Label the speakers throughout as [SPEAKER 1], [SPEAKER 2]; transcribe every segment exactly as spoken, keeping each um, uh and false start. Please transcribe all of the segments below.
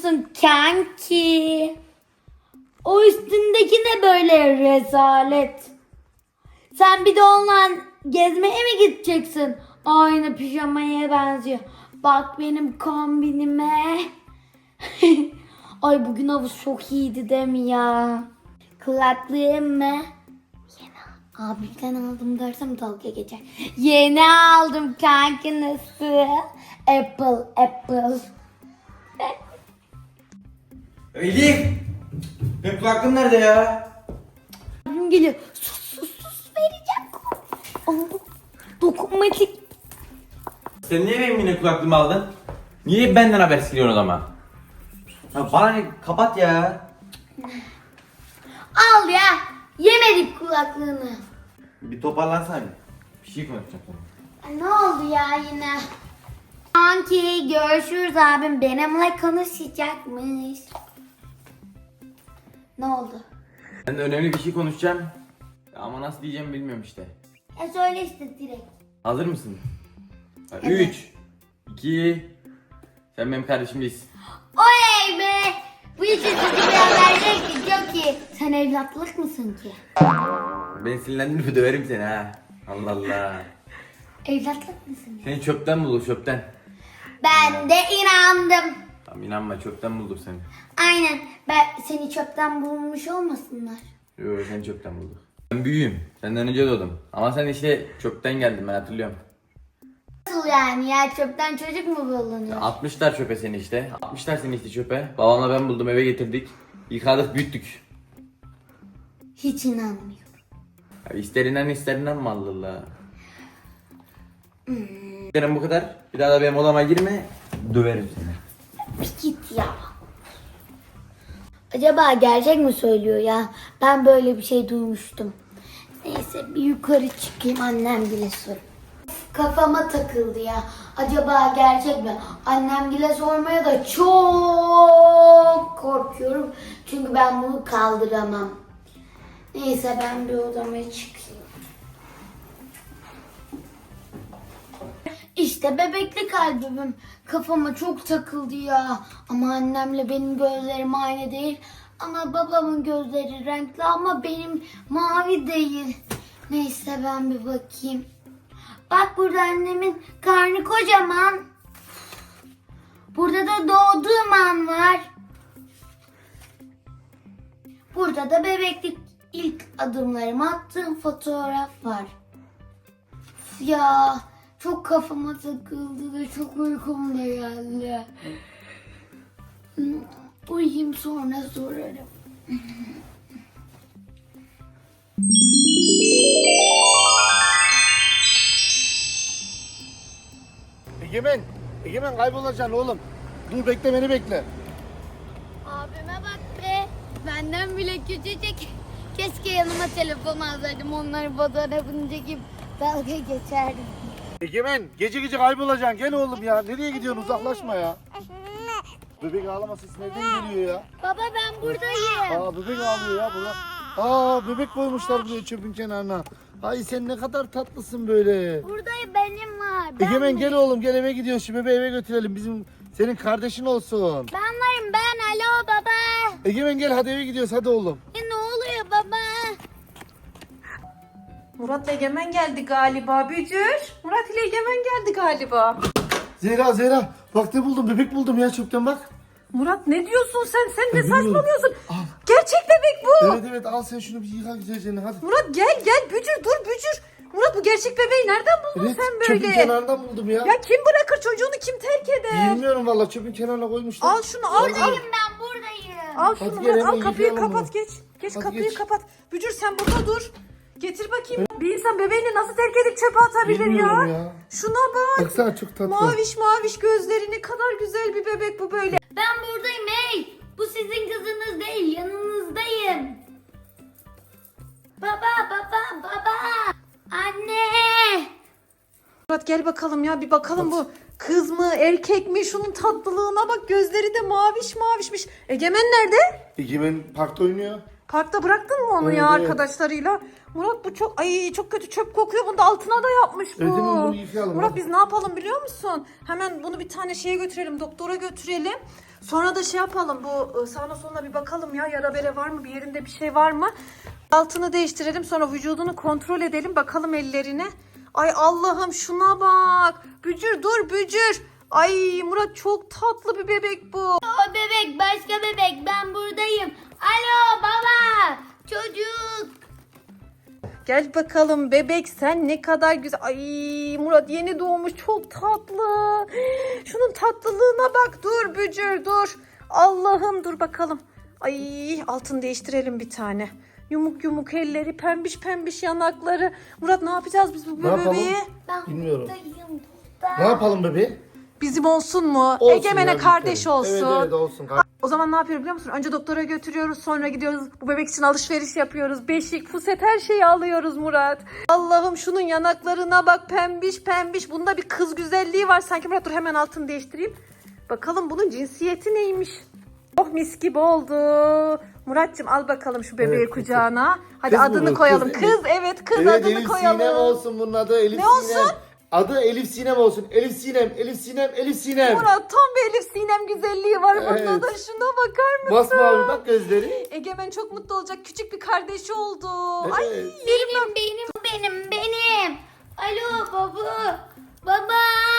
[SPEAKER 1] musun kanki? O üstündeki ne böyle rezalet? Sen bir de onunla gezmeye mi gideceksin? Aynı pijamaya benziyor. Bak benim kombinime. Ay bugün havuz çok iyiydi değil mi ya? Kulaklığım mı? Yeni abimden aldım dersem dalga geçer. Yeni aldım kanki nasıl? Apple, Apple.
[SPEAKER 2] Elif! Benim kulaklığım nerede ya?
[SPEAKER 1] Abim geliyor. Sus sus sus vereceğim. Oh, dokunmatik.
[SPEAKER 2] Sen niye benim yine kulaklığımı aldın? Niye benden haber siliyorsun o zaman? Ya bana ne? Kapat ya.
[SPEAKER 1] Al ya. Yemedik kulaklığını.
[SPEAKER 2] Bir toparlansana. Bir şey konuşacağım sana.
[SPEAKER 1] Ay, ne oldu ya yine? Kanki görüşürüz abim benimle konuşacakmış. Ne oldu?
[SPEAKER 2] Ben de önemli bir şey konuşacağım. Ama nasıl diyeceğimi bilmiyorum işte.
[SPEAKER 1] E söyle işte direkt.
[SPEAKER 2] Hazır mısın?
[SPEAKER 1] Evet.
[SPEAKER 2] üç, iki, sen benim kardeşim değilsin.
[SPEAKER 1] Oley be! Bu işi sizi bir haber çok iyi. Sen evlatlık mısın ki?
[SPEAKER 2] Ben sinirlendim döverim seni ha. Allah Allah.
[SPEAKER 1] Evlatlık mısın?
[SPEAKER 2] Seni çöpten bulduk çöpten.
[SPEAKER 1] Ben de inandım.
[SPEAKER 2] Tamam inanma çöpten bulduk seni.
[SPEAKER 1] Aynen. Ben seni çöpten bulmuş olmasınlar.
[SPEAKER 2] Yok seni çöpten bulduk. Ben büyüğüm. Senden önce doğdum. Ama sen işte çöpten geldin ben hatırlıyorum.
[SPEAKER 1] Nasıl yani ya çöpten çocuk mu bulunuyor?
[SPEAKER 2] Atmışlar çöpe seni işte. Atmışlar seni işte çöpe. Babamla ben buldum eve getirdik. Yıkadık büyüttük.
[SPEAKER 1] Hiç inanmıyorum.
[SPEAKER 2] Ya ister inan ister inanma Allah Allah. Hmm. Benim bu kadar. Bir daha da benim odama girme. Döverim seni.
[SPEAKER 1] Bir git ya. Acaba gerçek mi söylüyor ya? Ben böyle bir şey duymuştum. Neyse bir yukarı çıkayım annem bile sor. Kafama takıldı ya. Acaba gerçek mi? Annem bile sormaya da çok korkuyorum. Çünkü ben bunu kaldıramam. Neyse ben bir odama çıkayım. İşte bebeklik albümüm. Kafama çok takıldı ya. Ama annemle benim gözlerim aynı değil. Ama babamın gözleri renkli ama benim mavi değil. Neyse ben bir bakayım. Bak burada annemin karnı kocaman. Burada da doğduğum an var. Burada da bebeklik ilk adımlarımı attığım fotoğraf var. Ya çok kafama takıldı ve çok uykum da geldi. Uyuyayım sonra sorarım.
[SPEAKER 3] Egemen, Egemen kaybolacaksın oğlum. Dur bekle beni bekle.
[SPEAKER 1] Abime bak be. Benden bile küçücük. Keşke yanıma telefon alsaydım. Onların fotoğrafını çekip dalga geçerdim.
[SPEAKER 3] Egemen gece gece kaybolacaksın gel oğlum ya. Nereye gidiyorsun uzaklaşma ya. Bebek ağlama sesi nereden geliyor ya?
[SPEAKER 1] Baba ben buradayım.
[SPEAKER 3] Aa bebek ağlıyor ya burada. Aa bebek koymuşlar buraya çöpün kenarına. Ay sen ne kadar tatlısın böyle.
[SPEAKER 1] Buradayım benim var. Ben,
[SPEAKER 3] Egemen gel oğlum gel eve gidiyoruz. Şu bebeği eve götürelim. Bizim senin kardeşin olsun.
[SPEAKER 1] ben varım ben. Alo baba.
[SPEAKER 3] Egemen gel hadi eve gidiyoruz hadi oğlum.
[SPEAKER 1] E, ne oluyor baba?
[SPEAKER 4] Murat'la Egemen geldi galiba Bücür. Murat ile Egemen geldi galiba.
[SPEAKER 3] Zehra Zehra bak ne buldum bebek buldum ya çöpten bak.
[SPEAKER 4] Murat ne diyorsun sen? Sen ne
[SPEAKER 3] bilmiyorum.
[SPEAKER 4] saçmalıyorsun?
[SPEAKER 3] Al.
[SPEAKER 4] Gerçek bebek bu.
[SPEAKER 3] Evet evet al sen şunu bir yıka güzelce hadi.
[SPEAKER 4] Murat gel gel Bücür dur Bücür. Murat bu gerçek bebeği nereden buldun
[SPEAKER 3] Evet
[SPEAKER 4] sen
[SPEAKER 3] çöpün
[SPEAKER 4] böyle?
[SPEAKER 3] kenarından buldum ya.
[SPEAKER 4] Ya kim bırakır çocuğunu kim terk eder?
[SPEAKER 3] Bilmiyorum valla çöpün kenarına koymuşlar.
[SPEAKER 4] Al şunu al al.
[SPEAKER 1] Buradayım ben buradayım.
[SPEAKER 4] Al
[SPEAKER 3] Hadi
[SPEAKER 4] şunu
[SPEAKER 3] gel,
[SPEAKER 4] Murat al
[SPEAKER 3] hemen
[SPEAKER 4] kapıyı
[SPEAKER 3] yıkayalım
[SPEAKER 4] kapat
[SPEAKER 3] bunu.
[SPEAKER 4] geç. Geç
[SPEAKER 3] Hadi
[SPEAKER 4] kapıyı
[SPEAKER 3] geç.
[SPEAKER 4] kapat. Bücür sen burada dur. Getir bakayım. Bir insan bebeğini nasıl terk edip çöpe atabilir
[SPEAKER 3] Bilmiyorum
[SPEAKER 4] ya?
[SPEAKER 3] ya.
[SPEAKER 4] Şuna bak.
[SPEAKER 3] Baksana çok tatlı.
[SPEAKER 4] Maviş maviş gözleri ne kadar güzel bir bebek bu böyle.
[SPEAKER 1] Ben buradayım hey. Bu sizin kızınız değil yanınızdayım. Baba baba baba. Anne.
[SPEAKER 4] Murat gel bakalım ya bir bakalım bu kız mı erkek mi şunun tatlılığına bak gözleri de maviş mavişmiş. Egemen nerede?
[SPEAKER 3] Egemen parkta oynuyor.
[SPEAKER 4] Parkta bıraktın mı onu
[SPEAKER 3] Evet,
[SPEAKER 4] ya
[SPEAKER 3] evet.
[SPEAKER 4] arkadaşlarıyla? Murat bu çok ay çok kötü çöp kokuyor. Bunu da altına da yapmış bu.
[SPEAKER 3] Evet, hemen bunu yıkayalım,
[SPEAKER 4] Murat
[SPEAKER 3] hadi.
[SPEAKER 4] biz ne yapalım biliyor musun? Hemen bunu bir tane şeye götürelim doktora götürelim. Sonra da şey yapalım, bu sağına soluna bir bakalım ya, yara bere var mı, bir yerinde bir şey var mı? Altını değiştirelim, sonra vücudunu kontrol edelim, bakalım ellerine. Ay Allah'ım şuna bak. Bücür dur Bücür. Ay Murat çok tatlı bir bebek bu.
[SPEAKER 1] O bebek başka bebek, ben buradayım. Alo baba, çocuk.
[SPEAKER 4] Gel bakalım bebek, sen ne kadar güzel. Ay Murat yeni doğmuş, çok tatlı. Şunun tatlılığına bak. Dur Bücür dur. Allah'ım dur bakalım. Ay altını değiştirelim bir tane. Yumuk yumuk elleri, pembiş pembiş yanakları. Murat ne yapacağız biz bu
[SPEAKER 3] Ne yapalım?
[SPEAKER 4] bebeği?
[SPEAKER 1] Ben
[SPEAKER 3] Bilmiyorum.
[SPEAKER 1] buradayım burada.
[SPEAKER 3] Ne yapalım bebeğim?
[SPEAKER 4] Bizim olsun mu?
[SPEAKER 3] Olsun
[SPEAKER 4] Egemen'e
[SPEAKER 3] ya,
[SPEAKER 4] kardeş
[SPEAKER 3] lütfen.
[SPEAKER 4] olsun.
[SPEAKER 3] Evet evet olsun.
[SPEAKER 4] O zaman ne yapıyoruz biliyor musun? Önce doktora götürüyoruz, sonra gidiyoruz. Bu bebek için alışveriş yapıyoruz. Beşik, fuset her şeyi alıyoruz Murat. Allah'ım şunun yanaklarına bak, pembiş pembiş. Bunda bir kız güzelliği var sanki. Murat dur hemen altını değiştireyim. Bakalım bunun cinsiyeti neymiş? Oh mis gibi oldu. Muratcığım al bakalım şu bebeği
[SPEAKER 3] Evet,
[SPEAKER 4] kucağına. Hadi
[SPEAKER 3] Kız mı
[SPEAKER 4] adını
[SPEAKER 3] bu?
[SPEAKER 4] koyalım.
[SPEAKER 3] Kız,
[SPEAKER 4] Kız, evet kız,
[SPEAKER 3] Evet,
[SPEAKER 4] adını
[SPEAKER 3] Elif
[SPEAKER 4] koyalım.
[SPEAKER 3] Sinem olsun bunun adı. Elif
[SPEAKER 4] Ne
[SPEAKER 3] Sinem.
[SPEAKER 4] olsun?
[SPEAKER 3] Adı Elif Sinem olsun. Elif Sinem, Elif Sinem, Elif Sinem.
[SPEAKER 4] Murat tam bir Elif Sinem güzelliği var
[SPEAKER 3] Evet.
[SPEAKER 4] bunda da. Şuna bakar mısın?
[SPEAKER 3] Masmavi bak gözleri.
[SPEAKER 4] Egemen çok mutlu olacak. Küçük bir kardeşi oldu.
[SPEAKER 3] Evet.
[SPEAKER 4] Ay
[SPEAKER 1] Benim, benim, benim, benim. Alo baba, baba.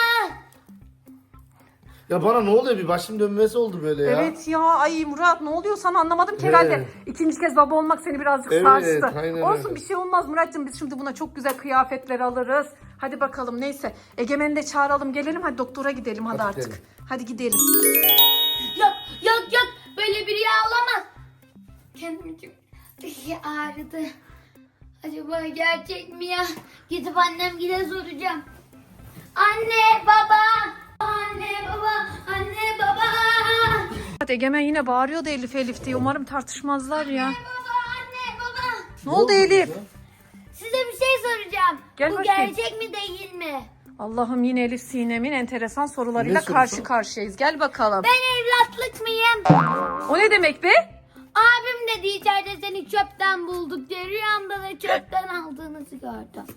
[SPEAKER 3] Ya bana ne oluyor, bir başım dönmesi oldu böyle ya.
[SPEAKER 4] evet ya, ay Murat ne oluyor sana, anlamadım ki
[SPEAKER 3] Evet.
[SPEAKER 4] herhalde. İkinci kez baba olmak seni birazcık
[SPEAKER 3] Evet,
[SPEAKER 4] sarstı.
[SPEAKER 3] aynen
[SPEAKER 4] Olsun
[SPEAKER 3] öyle.
[SPEAKER 4] bir şey olmaz Muratcığım, biz şimdi buna çok güzel kıyafetler alırız. Hadi bakalım neyse. Egemen'i de çağıralım, gelelim hadi doktora gidelim hadi,
[SPEAKER 3] Hadi
[SPEAKER 4] artık.
[SPEAKER 3] gidelim.
[SPEAKER 4] Hadi gidelim.
[SPEAKER 1] Yok, yok, yok. Böyle bir rüya olamaz. Kendim çok ağrıdı. Acaba gerçek mi ya? Gidip annemgile soracağım. Anne, baba. Anne, baba. Anne, baba.
[SPEAKER 4] Hadi Egemen yine bağırıyordu Elif Elif diye. Umarım tartışmazlar ya.
[SPEAKER 1] Baba, anne, baba.
[SPEAKER 4] Ne oldu Elif?
[SPEAKER 3] ya?
[SPEAKER 1] Size bir şey soracağım.
[SPEAKER 4] Gel
[SPEAKER 1] Bu
[SPEAKER 4] bakayım.
[SPEAKER 1] gerçek mi değil mi?
[SPEAKER 4] Allah'ım yine Elif Sinem'in enteresan sorularıyla
[SPEAKER 3] Ne sorusu?
[SPEAKER 4] karşı karşıyayız. Gel bakalım.
[SPEAKER 1] Ben evlatlık mıyım?
[SPEAKER 4] O ne demek be?
[SPEAKER 1] Abim dedi içeride seni çöpten bulduk diye, rüyamda da çöpten aldığınızı gördüm.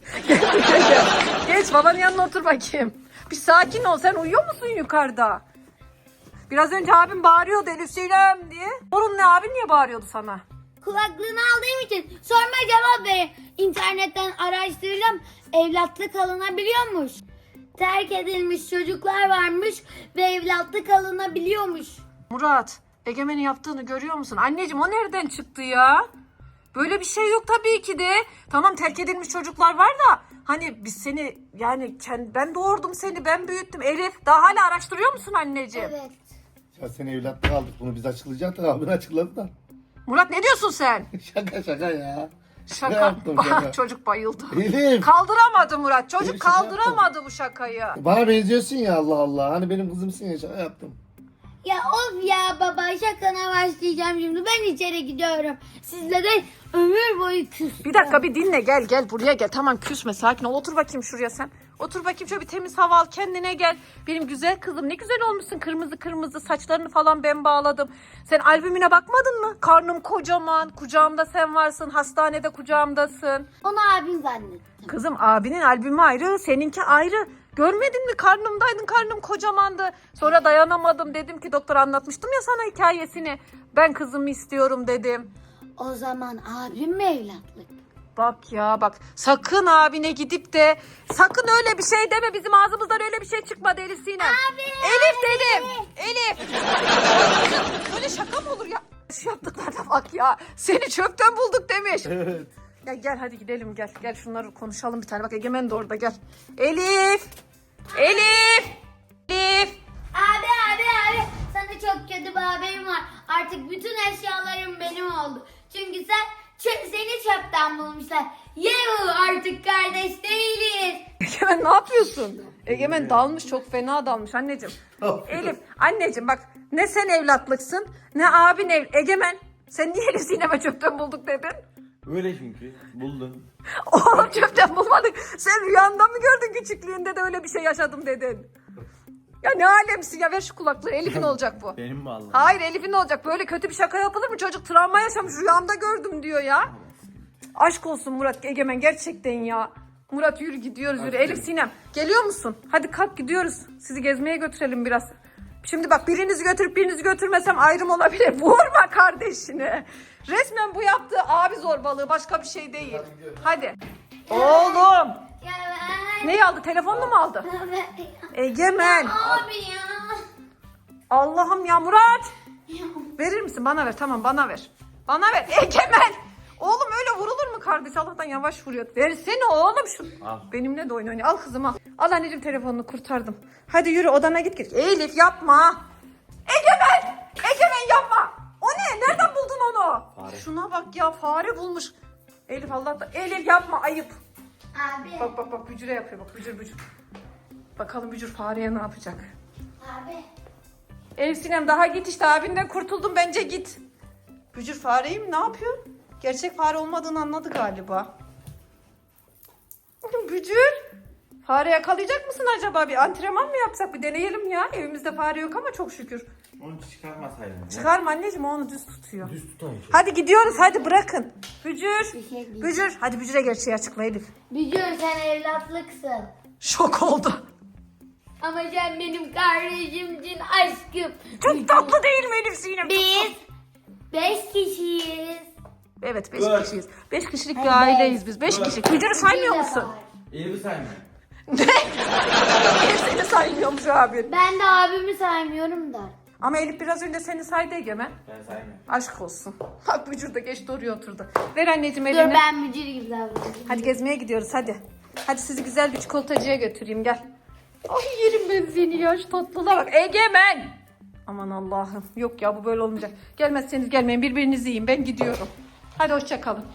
[SPEAKER 4] Geç babanın yanına otur bakayım. Bir sakin ol, sen uyuyor musun yukarıda? Biraz önce abim bağırıyordu Elif Sinem diye. Sorun ne, abin niye bağırıyordu sana?
[SPEAKER 1] Kulaklığını aldığım için sorma cevap verin. İnternetten araştırdım. Evlatlık alınabiliyormuş. Terk edilmiş çocuklar varmış ve evlatlık alınabiliyormuş.
[SPEAKER 4] Murat, Egemen'in yaptığını görüyor musun? Anneciğim o nereden çıktı ya? Böyle bir şey yok tabii ki de. Tamam terk edilmiş çocuklar var da hani biz seni yani kend- ben doğurdum seni, ben büyüttüm. Elif daha hala araştırıyor musun anneciğim?
[SPEAKER 1] Evet.
[SPEAKER 3] Ya seni evlatlık aldık, bunu biz açıklayacaktık, abin açıkladı da.
[SPEAKER 4] Murat ne diyorsun sen?
[SPEAKER 3] Şaka şaka ya.
[SPEAKER 4] Şaka.
[SPEAKER 3] yaptım, şaka.
[SPEAKER 4] Çocuk bayıldı.
[SPEAKER 3] Elif.
[SPEAKER 4] Kaldıramadı Murat. Çocuk
[SPEAKER 3] Elif, şaka
[SPEAKER 4] kaldıramadı bu şakayı.
[SPEAKER 3] Bana benziyorsun ya, Allah Allah. Hani benim kızımsın ya, şaka yaptım.
[SPEAKER 1] Ya of ya baba, şakana başlayacağım şimdi. Ben içeri gidiyorum. Sizle de ömür boyu küs.
[SPEAKER 4] Bir dakika bir dinle, gel gel buraya gel. Tamam küsme, sakin ol. Otur bakayım şuraya sen. Otur bakayım şöyle bir temiz hava al, kendine gel. Benim güzel kızım ne güzel olmuşsun, kırmızı kırmızı saçlarını falan ben bağladım. Sen albümüne bakmadın mı? Karnım kocaman, kucağımda sen varsın, hastanede kucağımdasın.
[SPEAKER 1] Onu abim zannettim.
[SPEAKER 4] Kızım abinin albümü ayrı, seninki ayrı. Görmedin mi, karnımdaydın, karnım kocamandı. Sonra dayanamadım, dedim ki doktor, anlatmıştım ya sana hikayesini. Ben kızımı istiyorum dedim.
[SPEAKER 1] O zaman abim mi evlatlık?
[SPEAKER 4] Bak ya bak, sakın abine gidip de sakın öyle bir şey deme, bizim ağzımızdan öyle bir şey çıkmadı Elif Sinem.
[SPEAKER 1] Abi,
[SPEAKER 4] Elif
[SPEAKER 1] abi.
[SPEAKER 4] dedim. Elif. Böyle şaka mı olur ya? Şu yaptıklarına bak ya. Seni çöpten bulduk demiş.
[SPEAKER 3] Evet.
[SPEAKER 4] Ya gel hadi gidelim, gel. Gel şunları konuşalım bir tane. Bak Egemen de orada, gel. Elif. Elif. Elif.
[SPEAKER 1] Abi abi abi, sana çok kötü bir haberim var. Artık bütün eşyalarım benim oldu. Çünkü sen çö- seni çöpten bulmuşlar. Yuh, artık kardeş değiliz.
[SPEAKER 4] Egemen ne yapıyorsun? Egemen dalmış, çok fena dalmış anneciğim. Elif, anneciğim bak, ne sen evlatlıksın ne abin ev. Egemen, sen niye Elif Sinem'e çöpten bulduk dedin?
[SPEAKER 2] Öyle çünkü. Buldun.
[SPEAKER 4] Oğlum çöpten bulmadık. Sen rüyanda mı gördün, küçüklüğünde de öyle bir şey yaşadım dedin? Ya ne alemsin ya, ver şu kulaklığı. Elif'in olacak bu.
[SPEAKER 2] Benim mi aldın?
[SPEAKER 4] Hayır Elif'in olacak. Böyle kötü bir şaka yapılır mı? Çocuk travma yaşamış, rüyamda gördüm diyor ya. Aşk olsun Murat, Egemen gerçekten ya. Murat yürü gidiyoruz, yürü. Elif Sinem geliyor musun? Hadi kalk gidiyoruz. Sizi gezmeye götürelim biraz. Şimdi bak birinizi götürüp birinizi götürmesem ayrım olabilir. Vurma kardeşini. Resmen bu yaptığı abi zorbalığı, başka bir şey değil. Hadi. Oğlum.
[SPEAKER 1] Ya ben...
[SPEAKER 4] Neyi aldı? Telefonunu mu aldı? Egemen.
[SPEAKER 1] Abi ya.
[SPEAKER 4] Allah'ım ya Murat. Verir misin? Bana ver. Tamam bana ver. Bana ver. Egemen. Oğlum öyle vurulur mu kardeş? Allah'tan yavaş vuruyor. Versene oğlum şu.
[SPEAKER 2] Al.
[SPEAKER 4] Benimle de oyun oynuyor. Al kızım al. Al anneciğim telefonunu kurtardım. Hadi yürü odana git git. Elif yapma. Egemen. Egemen yapma. O ne? Nereden buldun onu?
[SPEAKER 2] Fare.
[SPEAKER 4] Şuna bak ya fare bulmuş. Elif Allah'tan. Elif yapma ayıp.
[SPEAKER 1] Abi.
[SPEAKER 4] Bak bak bak bücüre yapıyor bak bücür bücür. Bakalım bücür fareye ne yapacak?
[SPEAKER 1] Abi.
[SPEAKER 4] Elif Sinem daha git işte abinden kurtuldum bence git. Bücür fareyi mi ne yapıyor? Gerçek fare olmadığını anladı galiba. Bücür. Fare yakalayacak mısın acaba? Bir antrenman mı yapsak? Bir deneyelim ya. Evimizde fare yok ama çok şükür.
[SPEAKER 2] Onu çıkarmasaydın. ya.
[SPEAKER 4] Çıkarma anneciğim o onu düz tutuyor.
[SPEAKER 2] Düz tutayım.
[SPEAKER 4] Hadi gidiyoruz hadi bırakın. Bücür.
[SPEAKER 1] Bir şey değil.
[SPEAKER 4] Bücür. Hadi Bücür'e gerçeği açıkla Elif.
[SPEAKER 1] Biliyorum sen evlatlıksın.
[SPEAKER 4] Şok oldu.
[SPEAKER 1] Ama sen benim kardeşimsin aşkım.
[SPEAKER 4] Çok tatlı değil mi Elif Sinem?
[SPEAKER 1] Biz beş kişiyiz.
[SPEAKER 4] Evet beş
[SPEAKER 2] Dört.
[SPEAKER 4] kişiyiz. Beş kişilik bir
[SPEAKER 1] Evet.
[SPEAKER 4] aileyiz biz. Beş
[SPEAKER 2] Dört.
[SPEAKER 4] kişi. Bücür'ü saymıyor
[SPEAKER 1] Bir de
[SPEAKER 4] musun?
[SPEAKER 1] var.
[SPEAKER 2] Elif'i sayma.
[SPEAKER 4] Elif seni saymıyormuş abi.
[SPEAKER 1] Ben de abimi saymıyorum da.
[SPEAKER 4] Ama Elif biraz önce seni saydı Egemen.
[SPEAKER 2] Ben saymıyorum.
[SPEAKER 4] Aşk olsun. Bak Bücür de geçti oraya oturdu. Ver anneciğim
[SPEAKER 1] Dur
[SPEAKER 4] elini.
[SPEAKER 1] ben müdür gibi davranıyorum.
[SPEAKER 4] Hadi gezmeye gidiyoruz hadi. Hadi sizi güzel bir çikolatacıya götüreyim gel. Ay yerim ben seni ya şu tatlılığa bak. Egemen. Aman Allah'ım. Yok ya bu böyle olmayacak. Gelmezseniz gelmeyin birbirinizi yiyin ben gidiyorum. Hadi hoşça kalın.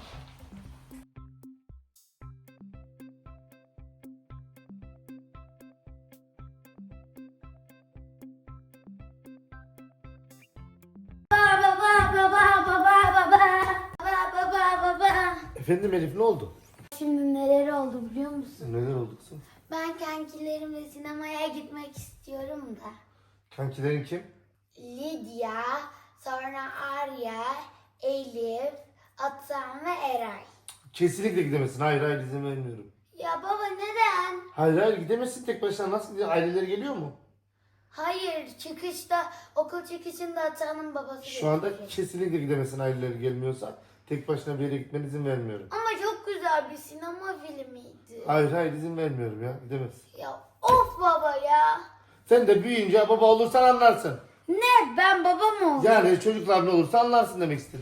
[SPEAKER 1] Baba baba baba baba baba baba baba.
[SPEAKER 3] Efendim Elif ne oldu?
[SPEAKER 1] Şimdi neler oldu biliyor musun?
[SPEAKER 3] Neler oldu kızım?
[SPEAKER 1] Ben kankilerimle sinemaya gitmek istiyorum da.
[SPEAKER 3] Kankilerin kim?
[SPEAKER 1] Lidya, sonra Arya, Elif, Atan ve Eray.
[SPEAKER 3] Kesinlikle gidemezsin. Hayır hayır izin vermiyorum.
[SPEAKER 1] Ya baba neden?
[SPEAKER 3] Hayır hayır gidemezsin tek başına. Nasıl gidiyor? Aileleri geliyor mu?
[SPEAKER 1] Hayır çıkışta okul çıkışında Atan'ın babası
[SPEAKER 3] Şu anda
[SPEAKER 1] gelecek.
[SPEAKER 3] kesinlikle gidemezsin aileleri gelmiyorsa. Tek başına bir yere gitmene izin vermiyorum.
[SPEAKER 1] Ama çok güzel bir sinema filmiydi.
[SPEAKER 3] Hayır hayır izin vermiyorum ya. Gidemezsin.
[SPEAKER 1] Ya of baba ya.
[SPEAKER 3] Sen de büyüyünce baba olursan anlarsın.
[SPEAKER 1] Ne ben baba mı oldum?
[SPEAKER 3] Yani çocuklar ne olursa anlarsın demek istedim.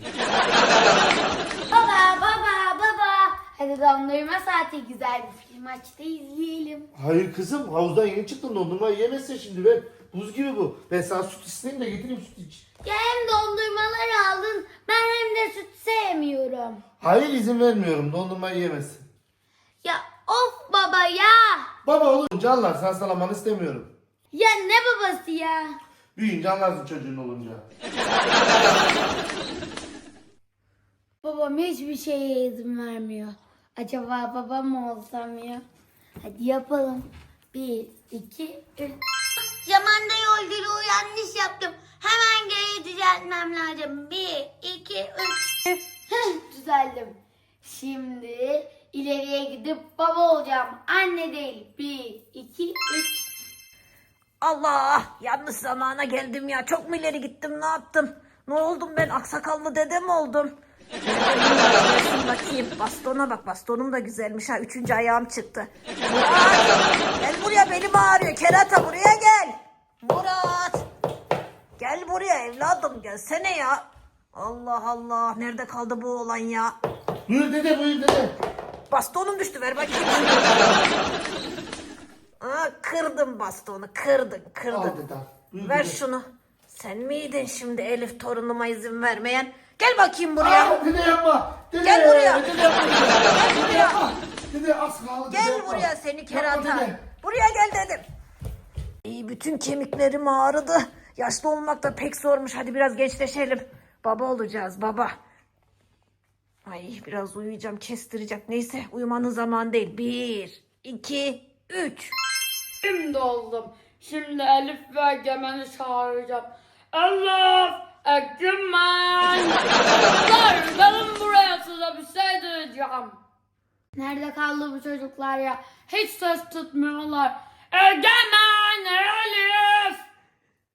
[SPEAKER 1] Baba baba baba. Hadi dondurma saati güzel bir film aç da izleyelim.
[SPEAKER 3] Hayır kızım havuzdan yeni çıktın dondurma yiyemezsin şimdi ver. Buz gibi bu. Ben sana süt isteyeyim de getireyim süt iç.
[SPEAKER 1] Ya hem dondurmalar aldın ben hem de süt sevmiyorum.
[SPEAKER 3] Hayır izin vermiyorum dondurma yiyemezsin.
[SPEAKER 1] Ya of baba ya.
[SPEAKER 3] Baba olunca anlarsın hastalamanı istemiyorum.
[SPEAKER 1] Ya ne babası ya?
[SPEAKER 3] Büyüyünce anlarsın çocuğun olunca.
[SPEAKER 1] Babam hiçbir şeye izin vermiyor. Acaba babam mı olsam ya? Hadi yapalım. Bir, iki, üç. Zamanda yolculuğu yanlış yaptım. Hemen geri düzeltmem lazım. Bir, iki, üç. Heh, düzeldim. Şimdi ileriye gidip baba olacağım. Anne değil. Bir, iki, üç.
[SPEAKER 4] Allah yanlış zamana geldim ya. Çok mu ileri gittim ne yaptım? Ne oldum ben aksakallı dede mi oldum? Gelsin bakayım. Bastona bak bastonum da güzelmiş ha. Üçüncü ayağım çıktı. Murat gel buraya belim ağrıyor. Kerata buraya gel. Murat. Gel buraya evladım gelsene ya. Allah Allah nerede kaldı bu oğlan ya?
[SPEAKER 3] Buyur dede buyur dede.
[SPEAKER 4] Bastonum düştü ver bakayım. Aa, kırdım bastonu kırdın kırdın.
[SPEAKER 3] Al dede al. Buyur
[SPEAKER 4] Ver
[SPEAKER 3] dede.
[SPEAKER 4] şunu. Sen miydin şimdi Elif torunuma izin vermeyen? Gel bakayım buraya.
[SPEAKER 3] Aa, dede yapma. Dede,
[SPEAKER 4] Gel buraya.
[SPEAKER 3] Dede yapma.
[SPEAKER 4] Gel buraya.
[SPEAKER 3] Yapma. Dede az kaldı. dede
[SPEAKER 4] Gel
[SPEAKER 3] yapma.
[SPEAKER 4] buraya seni
[SPEAKER 3] Yapma
[SPEAKER 4] kerata.
[SPEAKER 3] dede.
[SPEAKER 4] Buraya gel dedim. İyi bütün kemiklerim ağrıdı. Yaşlı olmak da pek zormuş. Hadi biraz gençleşelim. Baba olacağız baba. Ay biraz uyuyacağım kestireceğim. Neyse uyumanın zamanı değil. Bir, iki, üç.
[SPEAKER 5] Şimdi oldum. Şimdi Elif ve Egemen'i çağıracağım. Elif, Egemen. Çocuklar gelin buraya size bir şey diyeceğim.
[SPEAKER 1] Nerede kaldı bu çocuklar ya?
[SPEAKER 5] Hiç ses tutmuyorlar. Egemen, Elif.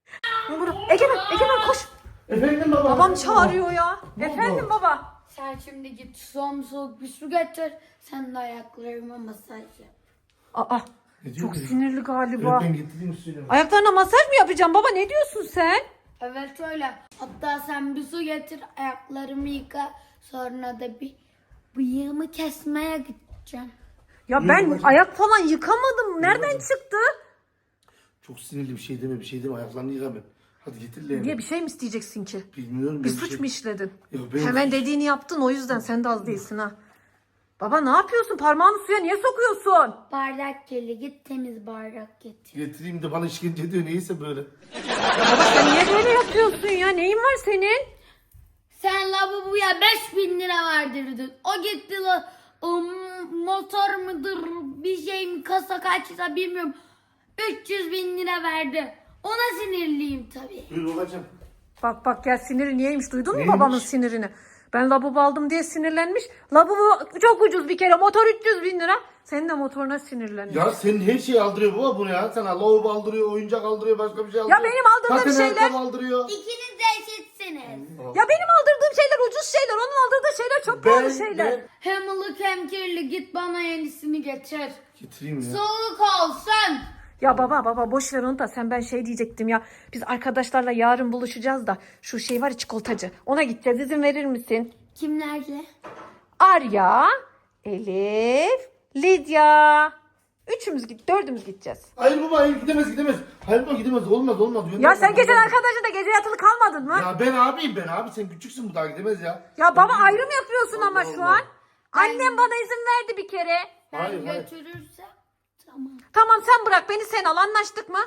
[SPEAKER 4] Murat. Egemen, Egemen koş.
[SPEAKER 3] Efendim baba.
[SPEAKER 4] Babam çağırıyor ya.
[SPEAKER 3] Ne oldu?
[SPEAKER 4] Efendim baba.
[SPEAKER 5] Sen şimdi git son soğuk bir su getir. Sen de ayaklarıma masaj yap.
[SPEAKER 4] Aa,
[SPEAKER 3] Ne diyor
[SPEAKER 4] çok
[SPEAKER 3] kız?
[SPEAKER 4] sinirli galiba.
[SPEAKER 3] Ben getireyim suyunu.
[SPEAKER 4] Ayaklarına masaj mı yapacağım baba? Ne diyorsun sen?
[SPEAKER 5] Evet öyle. Hatta sen bir su getir, ayaklarımı yıka. Sonra da bir bıyığımı kesmeye gideceğim.
[SPEAKER 4] Ya
[SPEAKER 3] Yürü
[SPEAKER 4] ben
[SPEAKER 3] babacığım.
[SPEAKER 4] ayak falan yıkamadım. Nereden
[SPEAKER 3] babacığım.
[SPEAKER 4] çıktı?
[SPEAKER 3] Çok sinirli bir şey deme bir şey deme ayaklarını yıka ben. Hadi getir leğeni.
[SPEAKER 4] Niye bir şey mi isteyeceksin ki?
[SPEAKER 3] Bilmiyorum.
[SPEAKER 4] Bir
[SPEAKER 3] ben
[SPEAKER 4] suç
[SPEAKER 3] şey-
[SPEAKER 4] mu işledin?
[SPEAKER 3] Yok, ben-
[SPEAKER 4] Hemen dediğini yaptın o yüzden sen de az değilsin ha. Baba ne yapıyorsun? Parmağını suya niye sokuyorsun?
[SPEAKER 5] Bardak kirli, git temiz bardak getir.
[SPEAKER 3] Getireyim de bana işkence ediyor neyse böyle.
[SPEAKER 4] Baba sen niye böyle yapıyorsun ya? Neyin var senin?
[SPEAKER 5] Sen lavaboya beş bin lira verdirdin. O gitti la ım, motor mudur bir şey mi kasa kaçsa bilmiyorum. üç yüz bin lira verdi. Ona sinirliyim tabii.
[SPEAKER 3] Buyur babacığım.
[SPEAKER 4] Bak bak gel siniri niyeymiş duydun mu
[SPEAKER 3] Neymiş?
[SPEAKER 4] babamın sinirini? Ben lavabo aldım diye sinirlenmiş. Lavabo çok ucuz bir kere motor üç yüz bin lira. Senin de motoruna sinirlenmiş.
[SPEAKER 3] Ya senin her şeyi aldırıyor baba bunu ya. Sana lavabo aldırıyor, oyuncak aldırıyor, başka bir şey aldırıyor.
[SPEAKER 4] benim aldırdığım
[SPEAKER 3] Zaten
[SPEAKER 4] şeyler-
[SPEAKER 3] ayakkabı aldırıyor.
[SPEAKER 5] İkiniz de eşitsiniz.
[SPEAKER 4] Ya benim aldırdığım şeyler ucuz şeyler. Onun aldırdığı şeyler çok
[SPEAKER 3] Ben-
[SPEAKER 4] pahalı şeyler.
[SPEAKER 3] ben-
[SPEAKER 5] Hem ılık hem kirli, git bana yenisini getir.
[SPEAKER 3] Getireyim ya.
[SPEAKER 5] Soğuk olsun.
[SPEAKER 4] Ya baba baba boş ver onu da sen ben şey diyecektim ya. Biz arkadaşlarla yarın buluşacağız da şu şey var ya çikolatacı. Ona gideceğiz izin verir misin?
[SPEAKER 5] Kimlerle?
[SPEAKER 4] Arya, Elif, Lidya. Üçümüz git, dördümüz gideceğiz.
[SPEAKER 3] Hayır baba hayır gidemez gidemez. Hayır baba gidemez olmaz olmaz.
[SPEAKER 4] Ya
[SPEAKER 3] Gönderme,
[SPEAKER 4] sen geçen
[SPEAKER 3] gönderme.
[SPEAKER 4] arkadaşın da gece yatılı kalmadın mı? Ya,
[SPEAKER 3] Ya ben abiyim ben abi sen küçüksün bu daha gidemez ya.
[SPEAKER 4] baba ayrım yapıyorsun ama
[SPEAKER 3] Allah
[SPEAKER 4] şu
[SPEAKER 3] Allah.
[SPEAKER 4] an. Annem bana izin verdi bir kere.
[SPEAKER 5] Ben
[SPEAKER 3] Hayır, hayır.
[SPEAKER 5] götürürsem tamam.
[SPEAKER 4] Tamam sen bırak beni sen al anlaştık mı?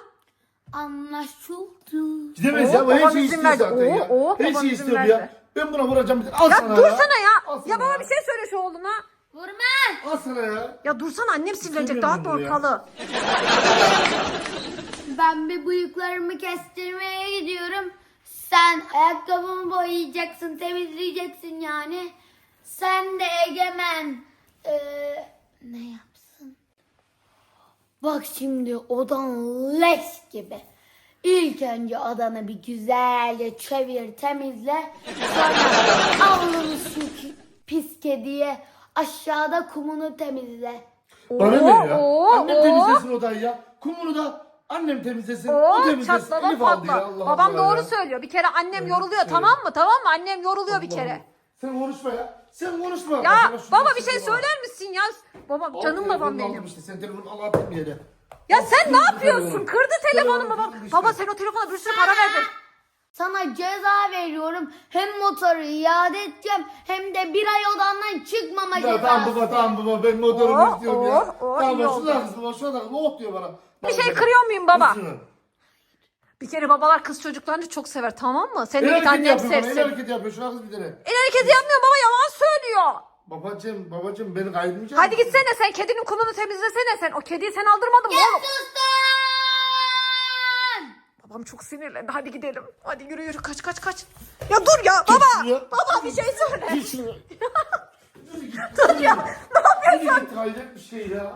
[SPEAKER 5] Anlaşıldı.
[SPEAKER 3] Gidemez
[SPEAKER 4] Oo,
[SPEAKER 3] ya bu her
[SPEAKER 4] babam
[SPEAKER 3] şeyi
[SPEAKER 4] izin
[SPEAKER 3] istiyor
[SPEAKER 4] verdi.
[SPEAKER 3] zaten
[SPEAKER 4] Oo,
[SPEAKER 3] ya.
[SPEAKER 4] oo,
[SPEAKER 3] her
[SPEAKER 4] babam
[SPEAKER 3] şeyi
[SPEAKER 4] izin
[SPEAKER 3] istiyor bu
[SPEAKER 4] verdi.
[SPEAKER 3] ya. Ben buna vuracağım bir Al
[SPEAKER 4] Ya
[SPEAKER 3] sana
[SPEAKER 4] dursana ya.
[SPEAKER 3] Al sana
[SPEAKER 4] Ya baba bir şey söyle şu oğluna.
[SPEAKER 5] Vurma.
[SPEAKER 3] Al sana ya.
[SPEAKER 4] Ya dursana annem sinirlenecek
[SPEAKER 3] İstemiyorum
[SPEAKER 4] dağıtma
[SPEAKER 3] bunu ya.
[SPEAKER 4] ortalığı.
[SPEAKER 5] Ben bir bıyıklarımı kestirmeye gidiyorum. Sen ayakkabımı boyayacaksın, temizleyeceksin yani. Sen de Egemen eee, ne yapsın? Bak şimdi odan leş gibi. İlk önce odanı bir güzelce çevir, temizle. Sonra avlunu şu ki- pis kediye aşağıda kumunu temizle.
[SPEAKER 3] Bana ne ya?
[SPEAKER 4] oo,
[SPEAKER 3] Annem
[SPEAKER 4] oo.
[SPEAKER 3] temizlesin odayı ya. Kumunu da annem temizlesin. o
[SPEAKER 4] Oo
[SPEAKER 3] temizlesin.
[SPEAKER 4] çatlama
[SPEAKER 3] Elif aldı ya
[SPEAKER 4] patla.
[SPEAKER 3] Allah
[SPEAKER 4] Babam
[SPEAKER 3] Allah
[SPEAKER 4] doğru
[SPEAKER 3] ya.
[SPEAKER 4] söylüyor. Bir kere annem yoruluyor
[SPEAKER 3] evet.
[SPEAKER 4] tamam mı? Tamam mı? Annem yoruluyor bir
[SPEAKER 3] Allah
[SPEAKER 4] kere.
[SPEAKER 3] Allah. Sen konuşma ya. Sen konuşma.
[SPEAKER 4] Ya
[SPEAKER 3] Bak, şu
[SPEAKER 4] baba
[SPEAKER 3] sesi
[SPEAKER 4] bir şey
[SPEAKER 3] bana.
[SPEAKER 4] söyler misin ya? Babam
[SPEAKER 3] Al
[SPEAKER 4] canım
[SPEAKER 3] telefonunu
[SPEAKER 4] babam
[SPEAKER 3] aldım
[SPEAKER 4] benim.
[SPEAKER 3] Işte. Sen telefonu al attın bir yere.
[SPEAKER 4] Ya
[SPEAKER 3] Al,
[SPEAKER 4] sen ne
[SPEAKER 3] kırdı
[SPEAKER 4] yapıyorsun?
[SPEAKER 3] telefonu.
[SPEAKER 4] Kırdı telefonu
[SPEAKER 3] Telefonu
[SPEAKER 4] babam.
[SPEAKER 3] kırdı işte.
[SPEAKER 4] Baba sen o telefona bir sürü para verdin.
[SPEAKER 5] Sana ceza veriyorum. Hem motoru iade edeceğim hem de bir ay odandan çıkmama
[SPEAKER 3] Ya
[SPEAKER 5] cezası.
[SPEAKER 3] tamam baba tamam baba ben motorumu
[SPEAKER 4] Oh,
[SPEAKER 3] istiyorum ya.
[SPEAKER 4] oh, oh,
[SPEAKER 3] tamam
[SPEAKER 4] iyi
[SPEAKER 3] baba
[SPEAKER 4] oldu.
[SPEAKER 3] şuna kızım baba şuna kızım oh diyor bana.
[SPEAKER 4] Bir şey kırıyor muyum baba?
[SPEAKER 3] Şunu.
[SPEAKER 4] Bir kere babalar kız çocuklarını çok sever tamam mı? Sen
[SPEAKER 3] El
[SPEAKER 4] de git
[SPEAKER 3] hareketi
[SPEAKER 4] annem
[SPEAKER 3] yapıyor bana el
[SPEAKER 4] sevsin.
[SPEAKER 3] hareketi yapıyor şuna kız bir tane.
[SPEAKER 4] El hareketi yapmıyor baba yalan söylüyor.
[SPEAKER 3] Babacım babacım beni kaydırmayacak
[SPEAKER 4] Hadi
[SPEAKER 3] mısın?
[SPEAKER 4] gitsene sen kedinin kumunu temizlesene sen. O kediyi sen aldırmadın mı oğlum?
[SPEAKER 5] Sustan!
[SPEAKER 4] Babam çok sinirlendi. Hadi gidelim. Hadi yürü yürü kaç kaç kaç. Ya dur ya baba.
[SPEAKER 3] şuraya.
[SPEAKER 4] Baba bir şey söyle.
[SPEAKER 3] Git şunu. Yürü git.
[SPEAKER 4] Dur ya. Ne yapıyorsun?
[SPEAKER 3] Yürü git hayret bir şey ya.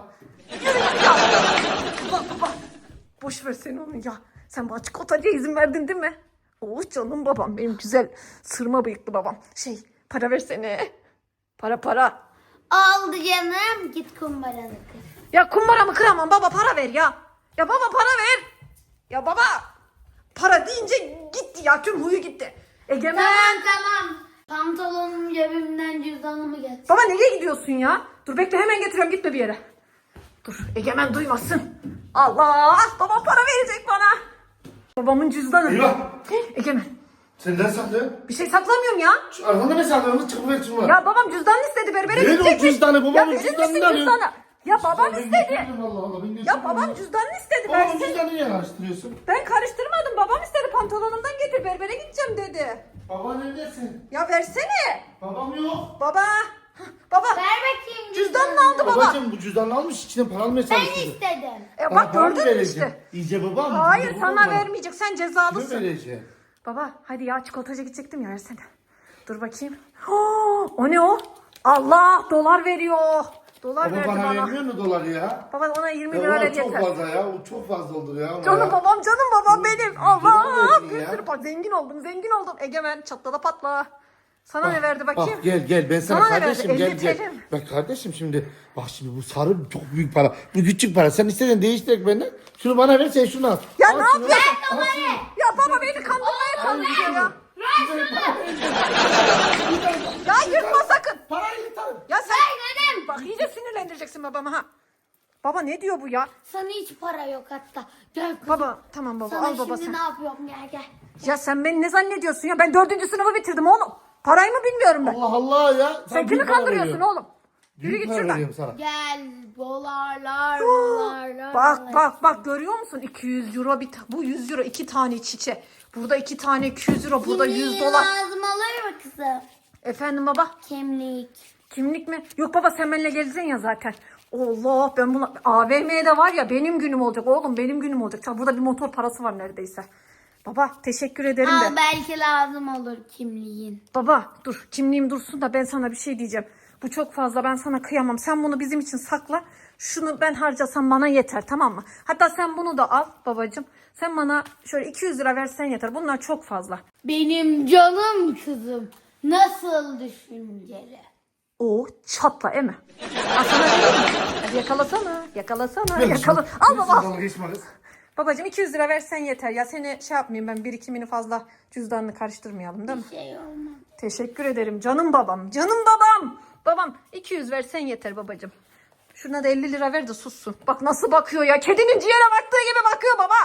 [SPEAKER 4] Baba baba. Boş ver sen onu ya. Sen bana çikolatacıya izin verdin değil mi? Oh canım babam benim güzel sırma bıyıklı babam. Şey para versene. Para para.
[SPEAKER 5] Aldı canım. Git kumbaranı kır.
[SPEAKER 4] Ya kumbaramı kıramam baba para ver ya. Ya baba para ver. Ya baba. Para deyince gitti ya tüm huyu gitti. Egemen.
[SPEAKER 5] Tamam tamam. Pantolonum cebimden cüzdanımı getir.
[SPEAKER 4] Baba nereye gidiyorsun ya? Dur bekle hemen getiriyorum gitme bir yere. Dur Egemen duymasın. Allah babam para verecek bana. Babamın cüzdanı.
[SPEAKER 3] Eyvah.
[SPEAKER 4] Egemen
[SPEAKER 3] Sen ne saklıyorsun?
[SPEAKER 4] bir şey saklamıyorum ya.
[SPEAKER 3] Şu arkanda ne saklıyorsun? Çıkıp ver şunu.
[SPEAKER 4] Ya babam cüzdanını istedi berbere
[SPEAKER 3] Ver o
[SPEAKER 4] gidecekmiş.
[SPEAKER 3] cüzdanı, babamın
[SPEAKER 4] Ya verir
[SPEAKER 3] cüzdanını
[SPEAKER 4] misin
[SPEAKER 3] arıyorum.
[SPEAKER 4] cüzdanı? Ya babam
[SPEAKER 3] Ben
[SPEAKER 4] istedi.
[SPEAKER 3] götürürüm, Allah Allah, ben
[SPEAKER 4] Ya
[SPEAKER 3] götürürüm
[SPEAKER 4] babam
[SPEAKER 3] ya.
[SPEAKER 4] cüzdanını istedi
[SPEAKER 3] Babamın
[SPEAKER 4] versin.
[SPEAKER 3] cüzdanını niye karıştırıyorsun?
[SPEAKER 4] Ben karıştırmadım babam istedi pantolonumdan getir berbere gideceğim dedi.
[SPEAKER 3] Baba neredesin?
[SPEAKER 4] Ya versene.
[SPEAKER 3] Babam yok.
[SPEAKER 4] Baba. Hah, Baba.
[SPEAKER 5] Ver bakayım
[SPEAKER 4] Cüzdanını aldı baba.
[SPEAKER 3] Babacım bu cüzdanını almış içine para almaya
[SPEAKER 5] Ben
[SPEAKER 3] çalışıyor.
[SPEAKER 5] istedim.
[SPEAKER 4] E
[SPEAKER 3] Bana
[SPEAKER 4] bak
[SPEAKER 3] para mı
[SPEAKER 4] gördün mü
[SPEAKER 3] vereceğim?
[SPEAKER 4] işte.
[SPEAKER 3] İyice babam.
[SPEAKER 4] Hayır
[SPEAKER 3] iyice
[SPEAKER 4] sana
[SPEAKER 3] babam.
[SPEAKER 4] vermeyecek sen
[SPEAKER 3] Kime
[SPEAKER 4] cezalısın.
[SPEAKER 3] vereceğim?
[SPEAKER 4] Baba hadi ya çikolatacı gidecektim ya versene. Dur bakayım. Oh, o ne o? Allah dolar veriyor. Dolar
[SPEAKER 3] Ama
[SPEAKER 4] verdi
[SPEAKER 3] bana
[SPEAKER 4] bana.
[SPEAKER 3] vermiyor mu doları ya?
[SPEAKER 4] Baba ona yirmi
[SPEAKER 3] Ya
[SPEAKER 4] lira
[SPEAKER 3] ulan
[SPEAKER 4] ver
[SPEAKER 3] çok
[SPEAKER 4] yeter.
[SPEAKER 3] fazla ya. O çok fazla olur ya. ona
[SPEAKER 4] Canım
[SPEAKER 3] ya.
[SPEAKER 4] babam canım babam benim. Allah
[SPEAKER 3] verdin
[SPEAKER 4] bir
[SPEAKER 3] ya.
[SPEAKER 4] sürü pa- zengin oldum zengin oldum. Egemen çatla da patla. Sana ne verdi bakayım?
[SPEAKER 3] Bak gel gel ben sana,
[SPEAKER 4] Sana ne
[SPEAKER 3] kardeşim
[SPEAKER 4] verdi?
[SPEAKER 3] gel
[SPEAKER 4] elli
[SPEAKER 3] gel.
[SPEAKER 4] T L mi?
[SPEAKER 3] Bak kardeşim şimdi bak şimdi bu sarı çok büyük para. Bu küçük para. Sen istedin değiştirek benden. Şunu bana ver sen şunu al.
[SPEAKER 4] Ya
[SPEAKER 3] Al
[SPEAKER 4] ne
[SPEAKER 3] şunu,
[SPEAKER 4] yapıyorsun?
[SPEAKER 3] al şunu.
[SPEAKER 4] Ya baba beni kandırmaya çalışıyor ya. Ya yırtma sakın.
[SPEAKER 3] Parayı yırtarım.
[SPEAKER 4] Ya sen bak iyice sinirlendireceksin babamı ha. Baba ne diyor bu ya?
[SPEAKER 5] Sana hiç para yok hatta. Gel kızım.
[SPEAKER 4] Baba tamam baba
[SPEAKER 5] Sana
[SPEAKER 4] al baba
[SPEAKER 5] şimdi
[SPEAKER 4] sen.
[SPEAKER 5] ne yapıyorum gel gel.
[SPEAKER 4] Ya sen beni ne zannediyorsun ya? Ben dördüncü sınıfı bitirdim oğlum. Parayı mı bilmiyorum ben.
[SPEAKER 3] Allah Allah ya. Sana
[SPEAKER 4] Sen kimi
[SPEAKER 3] büyük para
[SPEAKER 4] kandırıyorsun
[SPEAKER 3] veriyorum.
[SPEAKER 4] oğlum? Yürü
[SPEAKER 3] Büyük
[SPEAKER 4] git
[SPEAKER 3] para
[SPEAKER 4] şuradan.
[SPEAKER 3] veriyorum sana.
[SPEAKER 5] Gel dolarlar dolarlar.
[SPEAKER 4] Bak bak bak görüyor musun? iki yüz euro bir ta- bu yüz euro iki tane çiçe. Burada iki tane iki yüz euro, burada yüz
[SPEAKER 5] Kimliğin
[SPEAKER 4] dolar.
[SPEAKER 5] lazım olur mu kızım?
[SPEAKER 4] Efendim baba?
[SPEAKER 5] Kimlik.
[SPEAKER 4] Kimlik mi? Yok baba sen benimle geleceksin ya zaten. Allah ben buna A V M'de var ya benim günüm olacak oğlum benim günüm olacak. Çal, burada bir motor parası var neredeyse. Baba teşekkür ederim de.
[SPEAKER 5] Al belki lazım olur kimliğin.
[SPEAKER 4] Baba dur kimliğim dursun da ben sana bir şey diyeceğim. Bu çok fazla ben sana kıyamam. Sen bunu bizim için sakla. Şunu ben harcasam bana yeter tamam mı? Hatta sen bunu da al babacığım. Sen bana şöyle iki yüz lira versen yeter. Bunlar çok fazla.
[SPEAKER 5] Benim canım kızım. Nasıl düşünceli?
[SPEAKER 4] O çatla eme. Al sana vereyim mi? Hadi yakalasana. Yakalasana. Yakala. Al baba.
[SPEAKER 3] Dalga geçme kız.
[SPEAKER 4] Babacığım iki yüz lira versen yeter. Ya seni şey yapmayayım ben birikimini fazla cüzdanını karıştırmayalım değil mi?
[SPEAKER 5] Şey olmaz.
[SPEAKER 4] Teşekkür ederim canım babam. Canım babam. Babam iki yüz versen yeter babacığım. Şuna da elli lira ver de sussun. Bak nasıl bakıyor ya. Kedinin ciğere baktığı gibi bakıyor baba.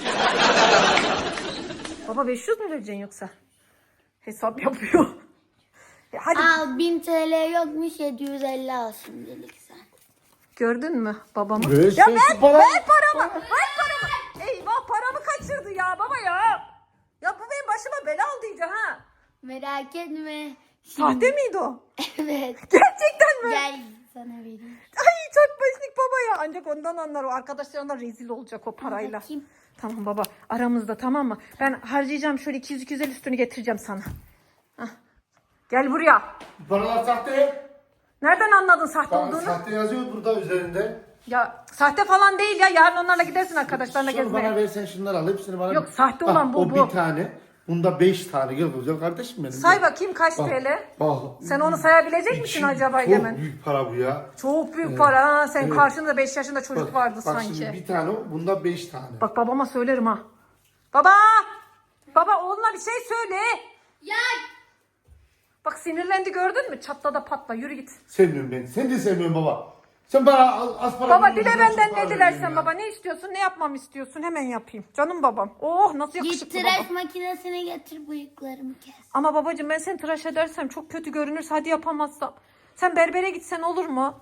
[SPEAKER 4] Baba beş yüz mü vereceksin yoksa? Hesap yapıyor. Ya hadi
[SPEAKER 5] Al bin T L yokmuş yedi yüz elli al şimdilik sen.
[SPEAKER 4] gördün mü babamı?
[SPEAKER 3] Ver
[SPEAKER 4] Ya
[SPEAKER 3] sen
[SPEAKER 4] ver,
[SPEAKER 3] şu parayı.
[SPEAKER 4] ver paramı. Ver paramı. Eyvah paramı kaçırdı ya baba ya. Ya bu benim başıma bela oldu iyice ha.
[SPEAKER 5] Merak etme.
[SPEAKER 4] Sahte miydi o?
[SPEAKER 5] Evet.
[SPEAKER 4] Gerçekten mi?
[SPEAKER 5] Gel sana vereyim.
[SPEAKER 4] Ay çok başlık baba ya. Ancak ondan anlar o. Arkadaşlarına rezil olacak o parayla.
[SPEAKER 5] Bakayım.
[SPEAKER 4] Tamam baba aramızda tamam mı? Ben harcayacağım şöyle iki yüz iki yüz elli üstünü getireceğim sana. Hah. Gel buraya.
[SPEAKER 3] Paralar sahte.
[SPEAKER 4] Nereden anladın sahte
[SPEAKER 3] Bak,
[SPEAKER 4] olduğunu?
[SPEAKER 3] sahte yazıyor burada üzerinde.
[SPEAKER 4] Ya sahte falan değil ya. Yarın onlarla gidersin arkadaşlarla
[SPEAKER 3] Şunu
[SPEAKER 4] gezmeye.
[SPEAKER 3] bana versen şunları al. Hepsini bana
[SPEAKER 4] Yok,
[SPEAKER 3] ver.
[SPEAKER 4] sahte
[SPEAKER 3] Bak,
[SPEAKER 4] olan bu,
[SPEAKER 3] o
[SPEAKER 4] bu.
[SPEAKER 3] bir tane. Bunda beş tane. Gel güzel kardeşim benim.
[SPEAKER 4] Say
[SPEAKER 3] Gel.
[SPEAKER 4] bakayım kaç
[SPEAKER 3] Bak,
[SPEAKER 4] T L?
[SPEAKER 3] bak.
[SPEAKER 4] Sen onu sayabilecek
[SPEAKER 3] İki-
[SPEAKER 4] misin acaba
[SPEAKER 3] Çok
[SPEAKER 4] Egemen?
[SPEAKER 3] büyük para bu ya.
[SPEAKER 4] Çok büyük para ha. Sen
[SPEAKER 3] Evet.
[SPEAKER 4] karşında beş yaşında çocuk
[SPEAKER 3] Bak,
[SPEAKER 4] vardı
[SPEAKER 3] bak
[SPEAKER 4] sanki.
[SPEAKER 3] şimdi bir tane o. Bunda beş tane.
[SPEAKER 4] Bak babama söylerim ha. Baba! Baba oğluna bir şey söyle.
[SPEAKER 5] Ya
[SPEAKER 4] Bak sinirlendi gördün mü? Çatla da patla yürü git.
[SPEAKER 3] Sevmiyorum ben. Sen de sevmiyorsun baba. Sen bana az, az para
[SPEAKER 4] Baba
[SPEAKER 3] veriyorsun,
[SPEAKER 4] dile
[SPEAKER 3] ben çok
[SPEAKER 4] benden
[SPEAKER 3] para
[SPEAKER 4] ne dilersen
[SPEAKER 3] veriyorum ya.
[SPEAKER 4] baba. Ne istiyorsun? Ne yapmamı istiyorsun? Hemen yapayım. Canım babam. Oh nasıl
[SPEAKER 5] git
[SPEAKER 4] yakışıklı
[SPEAKER 5] tıraş
[SPEAKER 4] baba.
[SPEAKER 5] makinesine getir bıyıklarımı kes.
[SPEAKER 4] Ama babacığım ben seni tıraş edersem çok kötü görünürse hadi yapamazsam. Sen berbere gitsen olur mu?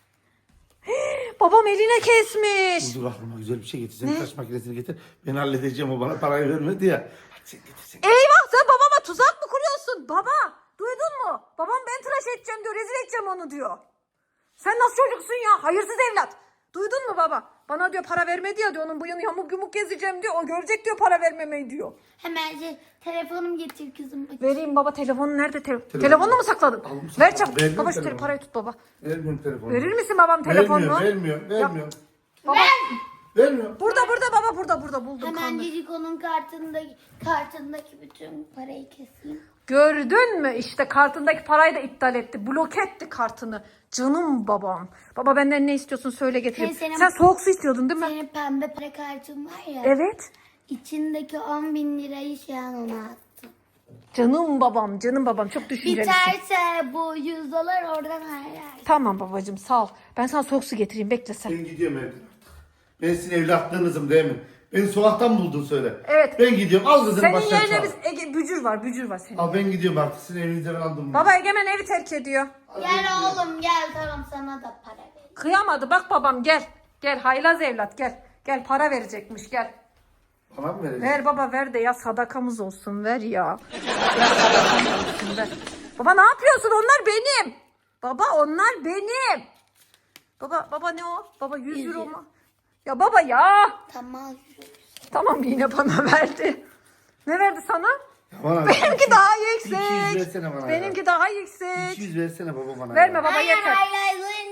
[SPEAKER 4] Hii, babam eline kesmiş.
[SPEAKER 3] Dur aklıma güzel bir şey getir. Sen taş makinesini getir. Ben halledeceğim o bana parayı vermedi ya. Hadi sen getir sen.
[SPEAKER 4] Eyvah sen babama tuzak mı kuruyorsun? Baba duydun mu? Babam ben tıraş edeceğim diyor. Rezil edeceğim onu diyor. Sen nasıl çocuksun ya? Hayırsız evlat. Duydun mu baba? Bana diyor para vermedi ya diyor. Onun bıyığını yamuk yumuk gezeceğim diyor. O görecek diyor para vermemeyi diyor.
[SPEAKER 5] Hemen şey, telefonumu getir kızım.
[SPEAKER 4] Vereyim baba telefonu nerede? Te- Telefonunu mu sakladın?
[SPEAKER 3] Aldım,
[SPEAKER 4] Ver
[SPEAKER 3] sakladım.
[SPEAKER 4] çabuk.
[SPEAKER 3] Verdim
[SPEAKER 4] Baba şu
[SPEAKER 3] telefonu.
[SPEAKER 4] parayı tut baba.
[SPEAKER 3] Vermiyorum telefonu.
[SPEAKER 4] Verir misin babam telefonunu?
[SPEAKER 3] Vermiyorum, vermiyorum, vermiyorum.
[SPEAKER 4] Baba,
[SPEAKER 3] Vermiyorum.
[SPEAKER 4] burada burada baba burada burada buldum
[SPEAKER 5] Hemen
[SPEAKER 4] kandı.
[SPEAKER 5] Ciciko'nun kartındaki, kartındaki bütün parayı keseyim.
[SPEAKER 4] Gördün mü işte kartındaki parayı da iptal etti. Blok etti kartını. Canım babam. Baba benden ne istiyorsun söyle getireyim.
[SPEAKER 5] Şey, senin-
[SPEAKER 4] Sen soğuk su istiyordun değil mi?
[SPEAKER 5] Senin pembe para kartın var ya.
[SPEAKER 4] Evet.
[SPEAKER 5] İçindeki on bin lirayı şu an ona attım.
[SPEAKER 4] Canım babam canım babam çok düşüncelisin.
[SPEAKER 5] Biterse bu yüz dolar oradan ayar.
[SPEAKER 4] Tamam babacığım sağ ol. Ben sana soğuk su getireyim bekle sen.
[SPEAKER 3] Ben gidiyorum evden artık. Ben sizin evlatlığınızım değil mi? Beni sokaktan buldun söyle.
[SPEAKER 4] Evet.
[SPEAKER 3] Ben gidiyorum. Al kızını
[SPEAKER 4] Senin
[SPEAKER 3] baştan
[SPEAKER 4] yerine
[SPEAKER 3] çal.
[SPEAKER 4] biz Ege, bücür var bücür var senin.
[SPEAKER 3] Al ben gidiyorum artık. Sizin evinizde ben aldım.
[SPEAKER 4] Baba Egemen evi terk ediyor.
[SPEAKER 5] Gel oğlum gel tamam sana da para ver.
[SPEAKER 4] Kıyamadı bak babam gel. Gel haylaz evlat gel. Gel para verecekmiş gel.
[SPEAKER 3] Bana mı vereceksin?
[SPEAKER 4] Ver baba ver de ya sadakamız olsun ver ya. Ver sadakamız olsun ver. Baba ne yapıyorsun onlar benim. Baba onlar benim. Baba baba ne o? Baba yüz euro mu? Ya baba ya.
[SPEAKER 5] Tamam yürü.
[SPEAKER 4] Tamam yine bana verdi. Ne verdi sana?
[SPEAKER 3] Ya bana
[SPEAKER 4] Benimki daha
[SPEAKER 3] iki yüz
[SPEAKER 4] yüksek.
[SPEAKER 3] versene bana ya.
[SPEAKER 4] Benimki daha yüksek.
[SPEAKER 3] iki yüz versene baba bana.
[SPEAKER 4] Verme
[SPEAKER 3] ya.
[SPEAKER 4] baba
[SPEAKER 5] Hayır
[SPEAKER 4] yeter.
[SPEAKER 5] hayır yüzünden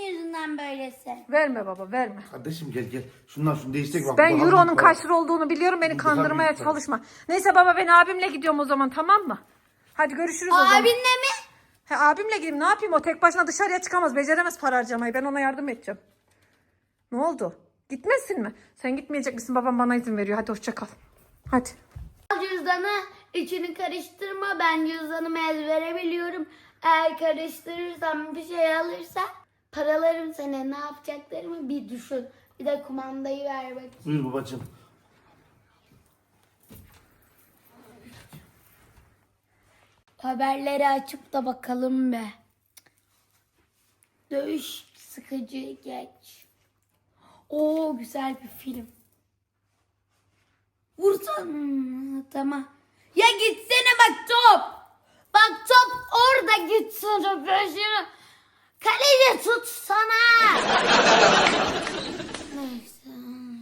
[SPEAKER 5] sen böylesin.
[SPEAKER 4] Verme baba verme.
[SPEAKER 3] Kardeşim gel gel. Şundan şunu değiştirek bak.
[SPEAKER 4] Ben
[SPEAKER 3] bu daha
[SPEAKER 4] Euro'nun
[SPEAKER 3] büyük para.
[SPEAKER 4] kaç lira olduğunu biliyorum. Beni
[SPEAKER 3] Bu daha
[SPEAKER 4] kandırmaya
[SPEAKER 3] büyük para.
[SPEAKER 4] çalışma. Neyse baba ben abimle gidiyorum o zaman tamam mı? Hadi görüşürüz o zaman.
[SPEAKER 5] Abinle mi?
[SPEAKER 4] He, abimle gideyim ne yapayım o tek başına dışarıya çıkamaz. Beceremez para harcamayı. Ben ona yardım edeceğim. Ne oldu? Gitmesin mi? Sen gitmeyecek misin? Babam bana izin veriyor. Hadi hoşça kal. Hadi.
[SPEAKER 5] Al cüzdanı, içini karıştırma. Ben cüzdanımı ezbere biliyorum. Eğer karıştırırsam bir şey alırsa paralarım sana, ne yapacaklarımı bir düşün. Bir de kumandayı ver bakayım.
[SPEAKER 3] Buyur babacığım.
[SPEAKER 5] Haberleri açıp da bakalım be. Dövüş sıkıcı geç. Oo güzel bir film. Vursan. Hmm, tamam. Ya gitsene bak top. Bak top orada gitsene peşine. Kaleci tutsana. Neyse.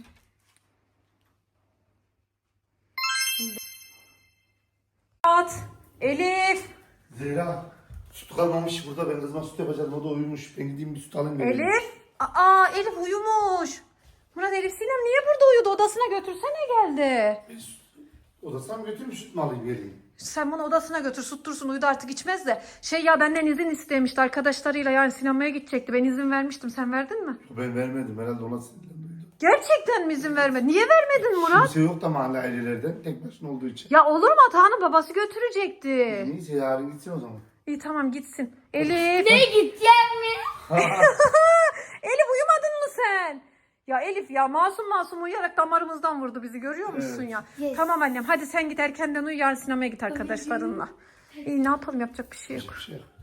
[SPEAKER 4] At. Elif.
[SPEAKER 3] Zehra süt kalmamış burada. Ben kızıma süt yapacağım. O da uyumuş. Ben gideyim bir süt alayım. geleyim.
[SPEAKER 4] Elif. Aa Elif uyumuş. Murat Elif Sinem niye burada uyudu? Odasına götürsene geldi.
[SPEAKER 3] Ben süt- Odasına mı götüreyim süt mü alayım geleyim?
[SPEAKER 4] Sen bunu odasına götür sustursun uyudu artık içmez de. Şey ya benden izin istemişti arkadaşlarıyla yani sinemaya gidecekti. Ben izin vermiştim sen verdin mi?
[SPEAKER 3] Ben vermedim. Herhalde ona sinirlendi.
[SPEAKER 4] Gerçekten mi izin vermedin? Niye vermedin Murat?
[SPEAKER 3] Kimse yok da mahalle ailelerden. Tek başına olduğu için.
[SPEAKER 4] Ya olur mu Atahan'ın babası götürecekti.
[SPEAKER 3] Neyse yarın gitsin o zaman.
[SPEAKER 4] İyi tamam gitsin. Elif.
[SPEAKER 5] Ne gideceğim mi?
[SPEAKER 4] Elif uyumadın mı sen? Ya Elif ya masum masum uyuyarak damarımızdan vurdu bizi görüyor musun
[SPEAKER 3] Evet.
[SPEAKER 4] ya?
[SPEAKER 5] Yes.
[SPEAKER 4] Tamam annem hadi sen git erkenden uyu yarın sinemaya git arkadaşlarınla. İyi ne yapalım yapacak bir şey yok.
[SPEAKER 3] Hiçbir şey yok.